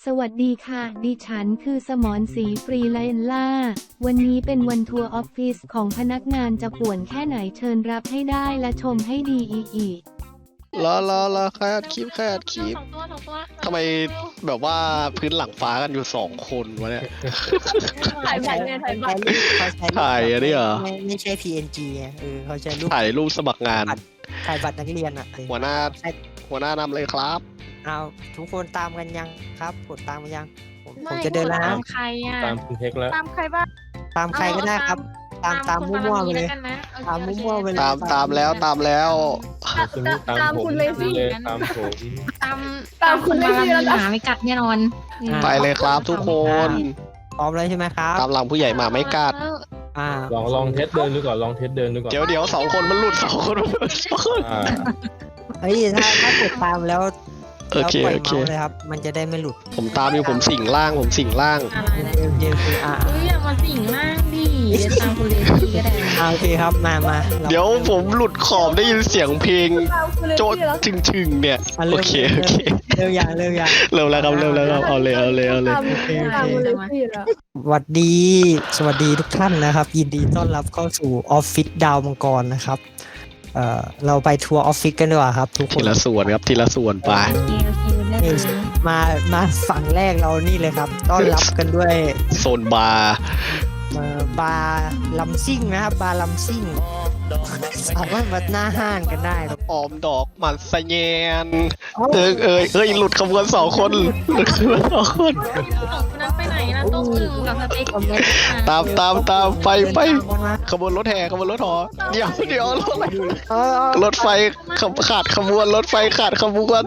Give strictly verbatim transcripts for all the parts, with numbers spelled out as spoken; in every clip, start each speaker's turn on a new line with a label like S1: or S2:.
S1: สวัสดีค่ะ ดิฉันคือสมรศรีฟรีไลน์ล่า วันนี้เป็นวันทัวร์ออฟฟิศของพนักงานจะป่วนแค่ไหนเชิญรับให้ได้และชมให้ดีอีกอีก
S2: รอรอรอใครอัดคลิปใครอัดคลิป
S3: สองตัวสองตัว
S2: ทำไมแบบว่าพื้นหลังฟ้ากันอยู่สองคนวะเนี่ย
S3: ถ่ายบัตรไงถ่ายบัตร
S4: เขาใช้รูป
S2: ถ่ายอันนี้เหรอ
S4: ไม่ไม่ใช่ พี เอ็น จี ไงเออเขาใช้รูป
S2: ถ่ายรูปสมัครงาน
S4: ถ่ายบัตรนักเรียนอ่ะเออ
S2: หัวหน้า
S4: ใช่
S2: หัวหน้านำเลยครับ
S4: เอาทุกคนตามกันยังครับกดตามกันยังผมผมจะเดินแล้ว
S3: ตา
S4: นะ
S3: มใครอ่ะ
S5: ตามคุณเทคแล้ว
S3: ตามใครบ้าง
S4: ตามใครก็ได้ครับ ตามตามมั่วๆไปเลย ตามมั่วๆไปเลย
S2: ตามตามแล้วตามแล้ว
S5: คุณนี่ตาม
S3: ตาม
S5: ผม
S3: คุณเลยสิ
S5: เลยตามผม
S3: ตามตามคุณเลยสิแล้วหมาไม่กัดแน่นอน
S2: ไปเลยครับทุกคน
S4: พร้อมเลยใช่ไหมครับ
S2: ตามหลังผู้ใหญ่มาไม่กัด
S4: อ่า
S5: ลองลองเทสเดินดูก่อนลองเทสเดินดูก่อน
S2: เดี๋ยวเดี๋ยวสองคนมันหลุดสองคนมันหลุดสองคน
S5: อ่า
S4: เฮ้ยถ้าถ้ากดตามแล้ว
S2: โอ
S4: แล้ว
S2: เค
S4: ปล่อย
S2: โอเค
S4: เมาส์เลยครับ มันจะได้ไม่หลุด
S2: ผมตามอยู่ผมสิงล่างผมสิงล่าง
S3: อะไร
S4: เดี๋ยวเดี๋ยวเดี๋ยวอ่า
S3: เฮ้ยอย่ามาสิงมากดิเดี๋ยวตามคุณเลยสิก็ได้
S4: อ่าโอเคครับมามารา
S2: เดี๋ยวผมหลุดขอบได้ยินเสียงเพลงโจ๊ดชึงชึงๆเนี่ย
S4: อ่ะ
S2: โอ
S4: เริ่ม
S2: เคโอเค
S4: เริ่มยังเริ่มยัง
S2: เริ่มแล้วครับเริ่มแล้วครับเอาเลยเอาเลยเอาเลย
S4: โอเคโอเคสวัสดี สวัสดีทุกท่านนะครับ ยินดีต้อนรับเข้าสู่ออฟฟิศดาวมังกรนะครับ เอ่อเราไปทัวร์ออฟฟิศกันดีกว่าครับ ทุกค
S2: ที
S4: น
S2: ละส่วนครับทีละส่วนไป
S3: โอเคโอเคได้เลย
S4: มามาฝั่งแรกเรานี่เลยครับ ต้อนรับกันด้วย
S2: โซนบาร์
S4: เอ่อบาร์ลัมซิ่งนะครับบาร์ลัมซิ่งสามารถมาหน้าห้างกันได้ครับ
S2: ออมดอกหมันสะแยนเอยเอยเอ้ยหลุดขบวนสองคนหลุดขบวนสองคน
S3: สองคนนั้นไปไหนนะต้มอึ่งกับสเต็ก
S2: ตามตามตามไปไป
S4: เดินตามมา
S2: ขบวนรถแห่ขบวนรถหอเดี๋ยวเดี๋ยวรถ
S4: เออเออ
S2: รถไฟขบขาดขบวนรถไฟขาดขบวน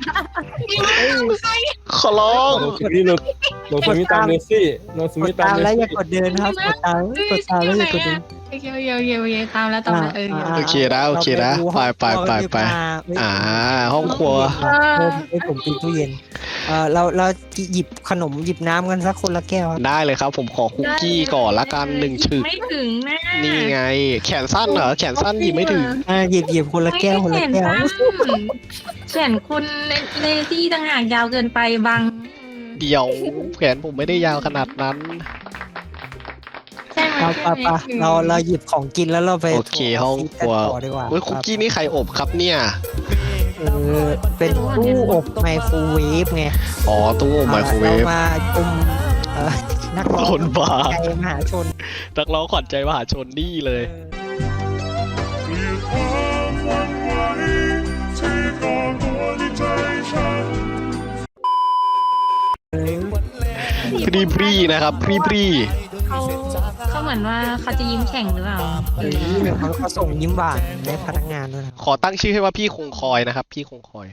S2: ขอร้อง
S5: โนสมิธโนโนสมิธตามเนซี่โนส
S4: ก
S5: มิ
S4: ด
S5: ธตาม
S4: ตาม
S5: เน
S4: แล้วอย่า
S5: ซี่
S4: กดเดินนะครับกดตามกดตามแล้วอย่ากดเดิน
S3: โอเคโอเคโอเคโอเคตามแล้วตามแล้วเออ
S2: โอเคนะโอเคนะไปไปไปไปอ่าห้องครัว
S4: เพิ่มให้ผมปิดตู้เย็น เออเราเราหยิบขนมหยิบน้ำกันสักคนละแก้วครับ
S2: ได้เลยครับ ผมขอคุกกี้ก่อนละกันหนึ่งฉึก
S3: ไม่ถึงนะ
S2: นี่ไง แขนสั้นเหรอแขนสั้นหยิบไม่ถึง
S4: อ่าหยิบหยิบคนละแก้วคนละแก้ว
S3: แขนคุณเลซี่ต่างหากยาวเกินไปบาง
S2: เดี๋ยวแขนผมไม่ได้ยาวขนาดนั้น
S3: ใช่ไหม
S4: เราปะปะเราเราหยิบของกินแล้วเราไป
S2: โอเคห้องครัว
S4: ต่อดีกว่า
S2: เฮ้ยคุกกี้นี่ใครอบครับเนี่ย
S4: เออเป็นตู้อบไมโครเวฟไง
S2: อ๋อตู้อบไมโครเวฟ
S4: ามาชมเอ่อนักร้อง
S2: คนบ้า
S4: ใจมหาชน
S2: นักร้องขวัญใจมหาชนนี่เลย พรีพรีนะครับพรีพรี
S3: เขาเขาเหมือนว่าเขาจะยิ้มแข่งหรือเปล่า
S4: เออเขาเขาส่งยิ้มหวานให้พนักงานด้วยนะ
S2: ขอตั้งชื่อให้ว่าพี่คงคอยนะครับ พี่คงคอย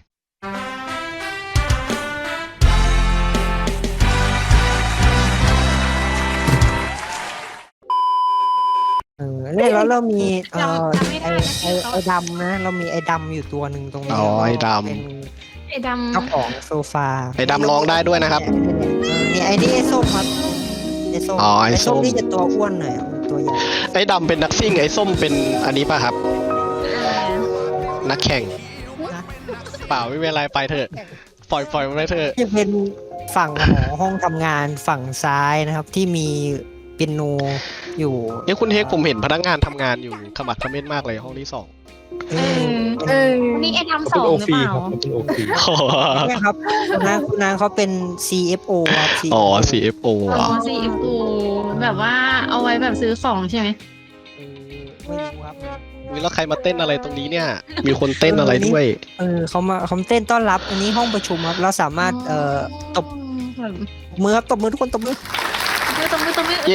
S4: เออเนี่ยแล้วเรามีเอ่อไอไอไอดำนะ เรามีไอดำอยู่ตัวหนึ่งตรงนี้
S2: อ๋อไอ้ดำ
S4: เป็น
S3: ไอ้ด
S4: เจ้าของโซฟา
S2: ไอ้ดำร้องได้ด้วยนะครับ
S4: เออนี่ไอ้นี่ไอ้ส้มครับไอ้ส้ม
S2: อ๋อไอ้ส้ม
S4: นี่จะตัวอ้วนหน่อยมันตัวใหญ่
S2: ไอ้ดำเป็นนักซิ่งไอ้ส้มเป็นอันนี้ป่ะครับ
S3: ำ
S2: นักแข่ง
S4: นะ
S2: เปล่าไม่เป็นไรไปเถอะ ปล่อยปล่อยมันไปเถอะ
S4: จะเป็นฝั่งของห้องทำงานฝั่งซ้ายนะครับ ที่มีเปียโนอยู่
S2: เนี่ยคุณเฮกผมเห็นพนักงานทำงานอยู่ขมักเขม้นมากเลยห้องที่สอง
S4: เอ
S3: เอ
S4: อ
S3: อเออวันนี้ไอ้ดำส
S5: เป็น
S3: อง
S5: โอ
S3: หรือ
S5: ฟี
S3: เปล่า
S5: ครับเป็นโอฟี
S4: เนี่ยครับคุณนางคุณนางเขาเป็น ซี เอฟ โอ ครับ ซี เอฟ โอ
S2: อ๋อ ซี เอฟ โอ
S3: อ๋
S2: อ่ะ
S3: อซีเอฟโอแบบว่าเอาไว้แบบซื้อของใช่ไหม
S4: เออไม่รู้ครับ
S2: อุ๊ยแล้วใครมาเต้นอะไรตรงนี้เนี่ย มีคนเต้นอะไรด้วย
S4: เออเขามาเขาเต้นต้อนรับ อันนี้ห้องประชุมครับ เราสามารถเอ่อตบ
S3: แบบ
S4: มือครับตบมือทุกคนตบมือ
S3: ไม่ต้องไม่ต้องไม่
S2: เย้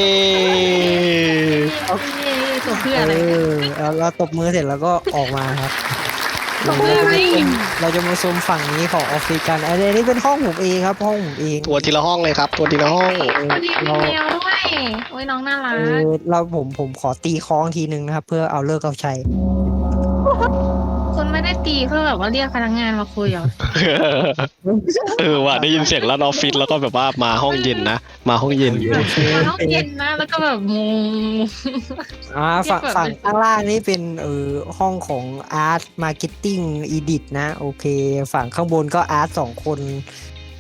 S3: โอเคตัวเพื่ออะไร
S4: เออเราเราตบมือเสร็จแล้วก็ออกมาครับ
S3: ตัวเพื่ออะไร
S4: เราจะมาชมฝั่งนี้ของออฟฟิศกันอันนี้เป็นห้องผมเองครับ ห้องผมเอง
S2: ตัวทีละห้องเลยครับ ตัวทีละห้อง
S3: วันนี้มีแมวด้วยโอ้ยน้องน่ารั
S4: เอก อเราผมผมขอตีคล้องทีนึงนะครับ เพื่อเอาเลิกเอาชัย
S3: คุณไม่ได้ตีเพื่อแบบว่าเรียกพนักงานมาคุยเหรอ
S2: เออว่ะได้ยินเสียงลั่นออฟฟิศแล้วก็แบบว่ามาห้องเย็นนะ มาห้องเย็น
S3: มาห้องเย็นนะแล้วก็แบบงง
S4: อ่าฝั่ง
S3: เรียกแบบ
S4: ฝั่งข้างล่างนี่เป็นเออห้องของอาร์ตมาร์เก็ตติ้งอีดิทนะ โอเค ฝั่งข้างบนก็อาร์ตสองคน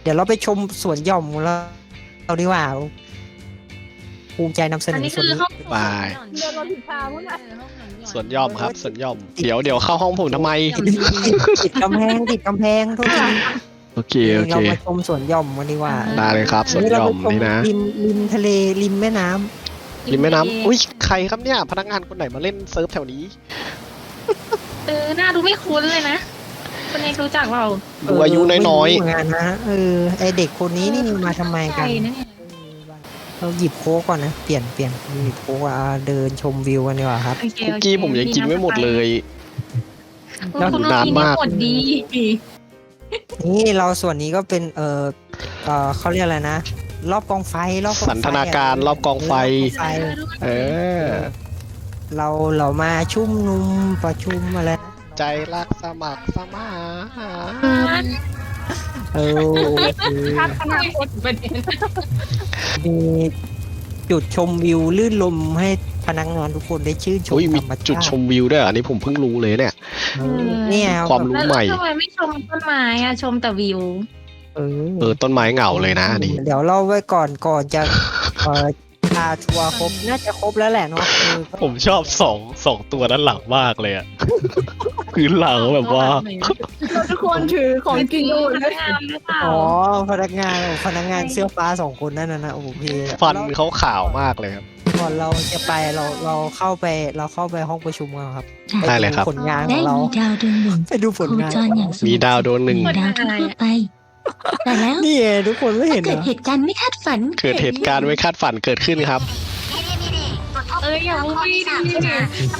S4: ดี๋ยวเราไปชมสวนหย่อมของเราเราดีกว่าภูมิใจนำเสน
S3: อัน
S4: อ
S3: นี้
S4: ส่วน
S3: คือ
S4: นี้
S3: ห้อง
S2: บาย
S3: เดินมาถึงทางมั้งนะ
S2: สวนหย่อมครับสวนหย่อมเดี๋ยวเดี๋ยวเข้าห้องผมทำไม
S4: ติดกำแพงติดกำแพงโทษที
S2: โอเคโอเค
S4: เรามาชมสวนหย่อมกันดีกว่า
S2: ได้เลยครับสวนหย่อมนี่นะ
S4: ริมริมทะเลริมแม่น้ำ
S2: ริมแม่น้ำอุ้ยใครครับเนี่ยพนักงานคนไหนมาเล่นเซิร์ฟแถวนี้
S3: เออหน้าดูไม่คุ้นเลยนะคนเอกรู้จักเรา
S2: ดูอายุน้อย
S4: ๆเหมือนกันนะเออไอเด็กคนนี้นี่มาทำไมกัน
S3: ใช่นะเนี่ย
S4: เราหยิบโค้กก่อนนะเปลี่ยนเปลี่ยนหยิบโค้กอ่ะเดินชมวิวกันดีกว่าครับ
S3: โอเค
S2: ๆเมื่อกี้ผมยังกินไม่หมดเลย
S3: คุณคุณ
S2: นานมาก
S3: หมดดี
S4: นี่เราส่วนนี้ก็เป็นเออเออเขาเรียกอะไรนะ รอบกองไฟรอบกองไฟ
S2: สันทนาการรอบกองไฟ
S4: รอบกองไฟ
S2: เออ
S4: เราเรามาชุมนุมประชุมอะไรนะ
S2: ใจรักสมัครสมาน
S4: เออโอเค
S3: พัฒนาคนประเด็น
S4: มีจุดชมวิวลื่นลมให้พนักงานทุกคนได้ชื่นชม
S2: อุ้ยมี
S4: ธรรมชาติ
S2: จุดชมวิวด้วยเหรออันนี้ผมเพิ่งรู้เลยเนี่ย
S4: เออเนี่ย
S2: ความรู้
S3: แล้ว
S2: ใหม่
S3: ทำไมไม่ชมต้นไม้อะชมแต่วิว
S4: เอ
S2: เอ
S4: อ
S2: อต้นไม้เหงาเลยนะอันนี้
S4: เดี๋ยวเราไว้ก่อนก่อนจะเอ่อพาทัวร์ครบน่าจะครบแล้วแหละเนาะเออ
S2: ผมชอบสองสองตัวด้านหลังมากเลยอะ พื้นหลังแบบว่า
S6: ทุกคนถือของกินกันหมดเลย
S3: งามหรือเปล่า
S4: อ๋อพนักงานโอ้พนักงานเสื้อฟ้าสองคนนั่นนะนะโอเค
S2: ฟันเขาขาวมากเลยครับ
S4: ก่อนเราจะไปเราเราเข้าไปเราเข้าไปห้องประชุมกันครับ
S2: ได้เลยครับ
S4: ปดูผลงานข
S7: ได้
S4: องเรา
S7: มีดาวดวงหนึ่ง
S4: ไปดูผล
S7: โค
S4: งาน
S7: จรอย่างสงบ
S2: มีดาวโดนหนึ่ง
S7: เหมือนดาวทั่วๆไป แต่แล้ว
S4: นี่ไงทุกคนไม่เห็นเหร
S7: เกิด
S4: อ
S7: เหตุการณ์ไม่คาดฝัน
S2: เกิดเหตุการณ์ไม่คาดฝันเกิดขึ้นครับ
S3: เอ้ยอย่าพูดไม่ดีนะ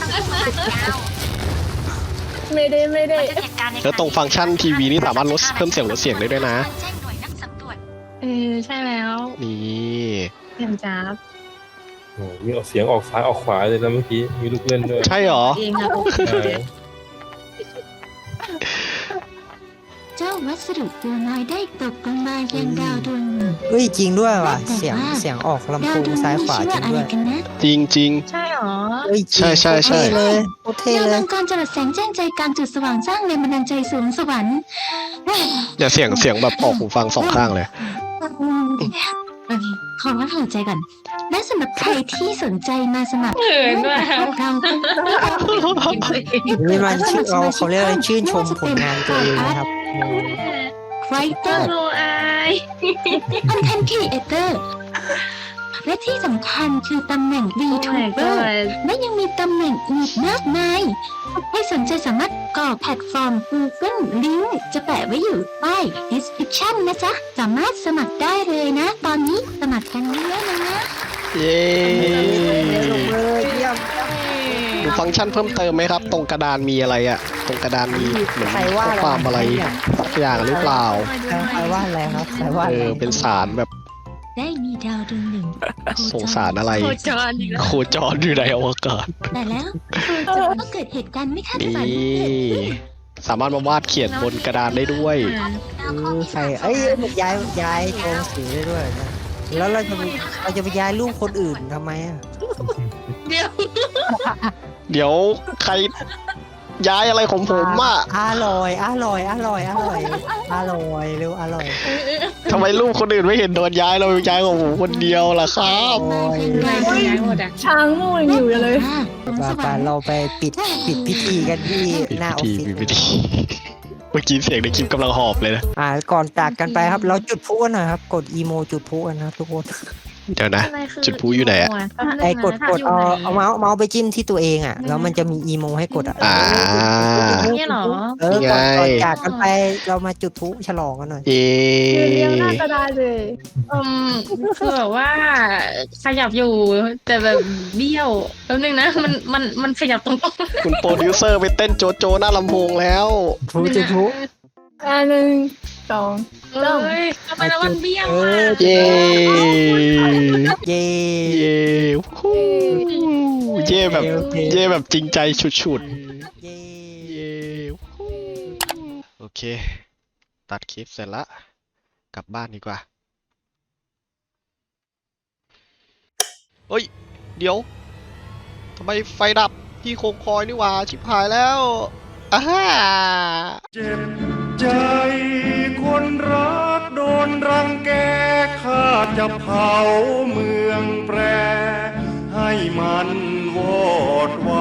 S6: ไม่ได้ไม่ได้
S2: แล้วตรงฟังก์ชันทีวีนี่สามารถลดเพิ่มเสียงลดเสียงได้ด้วยนะ
S3: เออใช่แล้ว
S2: นี่
S3: เต็มจ้าบ
S5: โอ้โหมีออกเสียงออกซ้ายออกขวาเลยนะเมื่อกี้มีลูกเล่นด้วย
S2: ใช่เหรอ
S3: เองนะพวก
S5: ใช่
S7: เจ้าวัสดุตัวน้อยได้ตกลงมายังดาวดวงหนึ่ง
S4: เฮ้ยจริงด้วยว่ะ
S7: แต่
S4: เสียง
S7: ว่า
S4: เสียงออกลำ
S7: ดา
S4: โพ
S7: ว
S4: ง
S7: ดวง
S4: ซ้าย
S7: นี้
S4: ขวา
S7: ชื่อ
S4: จริ
S7: ว่าง อะไร
S4: ด้วย
S7: กันนะ
S2: จริงจริง
S3: ใช่หรอ
S4: เฮ้ยจริง
S2: ใช่ใช่ใช่
S4: โคตรเท่เลยโคตรเท่
S7: ดาว
S4: เล
S7: มั
S4: ย
S7: งกรจรัสแสงแจ้งใจกลางจุดสว่างสร้างแรงบันดาลใจสูงสวรรค์
S2: ๆอย่าเสียงเสียงแบบออกหูฟังสองข้างเลย
S7: ขอว่าหายใจก่อน และสำหรับใครที่สนใจมาสมัคร
S3: เขินว่ะ
S7: เรา
S4: นี่มันชื่อเราเขาเรียกอะไรชื่นชมผลงานตัวเองนะครับ
S7: ไรเตอร์
S3: โลอาย
S7: คอนเทนต์ครีเอเตอร์และที่สำคัญคือตำแหน่ง
S3: โอ้ my
S7: VTuber
S3: god
S7: และยังมีตำแหน่งอีกมากมาย ให้สนใจสามารถก่อแพลตฟอร์ม Google ลิงก์จะแปะไว้อยู่ใต้ description นะจ๊ะ สามารถสมัครได้เลยนะ ตอนนี้สมัครกันเยอะๆเลยนะ
S2: เย้
S4: ลงเลยเยี่ยม
S2: ดูฟังก์ชันเพิ่มเติมไหมครับ ตรงกระดานมีอะไรอะตรงกระดานมีเหมือน
S4: ใครว่า
S2: ข้อความอะไรสักอย่างหรือเปล่า
S4: ใครว่าอะไรครับใครว่า
S2: เอ
S4: อะไร
S2: อเป็นสารแบบ
S7: ได้มีดาวดวงหนึ่ง
S2: สงสารอะไร
S3: โคจรอีกแล้ว
S2: โคจรอยู่ในอวกาศ
S7: แต่แล้วก็เกิดเหตุการณ์ไม่คาด
S2: นี
S7: ฝัน
S2: ่ สามารถมาวาดเขียนบนกระดานได้ด้วย
S4: เออใครเอ้ยมันย้ายย้ายตัวหนังสือได้ด้วยนะแล้วเราจะไปเราจะไปย้ายรูปคนอื่นทำไมอ่ะ
S3: เดี๋ยว
S2: เดี๋ยวใครย้ายอะไรของผมอ่ะ
S4: อร่อยอร่อยอร่อยอร่อยอร่อยเร็วอร่อย
S2: ทำไมรูปคนอื่นไม่เห็นโดนย้ายเราย้ายของผมคนเดียวล่ะครับ
S4: โอ้ย
S3: ไม่ใช่ย้ายหมดอ่ะ
S6: ช้างนู่นอยู่เลย
S4: ไปไปเราไปปิดปิดพิธีกันที่
S2: ปิด
S4: หน้าออฟ
S2: พิ
S4: ฟิ
S2: ธี
S4: ศ
S2: ปิดพิธีเมื่อกี้เสียงในคลิปกำลังหอบเลยนะ
S4: อ่าก่อนจากกันไปครับ เราจุดพลุกันหน่อยครับ กดอีโมจุดพลุกันนะครับทุกคน
S2: เดี๋ยวนะ
S3: อะไรคือ
S2: จุดพลุอยู่ไหนอะ
S4: ไอ้กดกดเอาเอาเมาส์เอาเมาส์ไปจิ้มที่ตัวเองอ่ะแล้วมันจะมีอีโมให้กดอ่ะ
S2: อ่า
S3: เนี่ยเหรอ
S4: เออ
S2: นี่
S4: ก่อน
S2: ไง
S4: ก่อนจากกันไปเรามาจุดพลุฉลองกันหน่อย
S2: เอ
S6: เรียงหน้ากระดาษเลย
S3: อืมคือแบบว่าขยับอยู่แต่แบบเบี้ยวแป๊บนึงนะมันมันมันขยับตรง
S2: คุณโปรดิวเซอร์ไปเต้นโจโจหน้าลำโพงแล้ว
S4: พลุจุดพลุ
S6: อ่าหนึ่งสอง
S3: เอ้ยทำไมแล้วมันเบี้ยวอ่ะ
S2: เย้
S4: เย้
S2: เย้ฮู้เย่แบบ
S4: โอเค
S2: เย่แบบจริงใจฉุด
S4: เย้
S2: ๆเย่ฮู้โอเค ตัดคลิปเสร็จละกลับบ้านดีกว่าเฮ้ย เดี๋ยวทำไมไฟดับที่โคงคอยนี่หว่า ชิบหายแล้วอ้าฮ่า
S8: เจ็บใจคนรักโดนรังแกข้าจะเผาเมืองแปรให้มันวอดว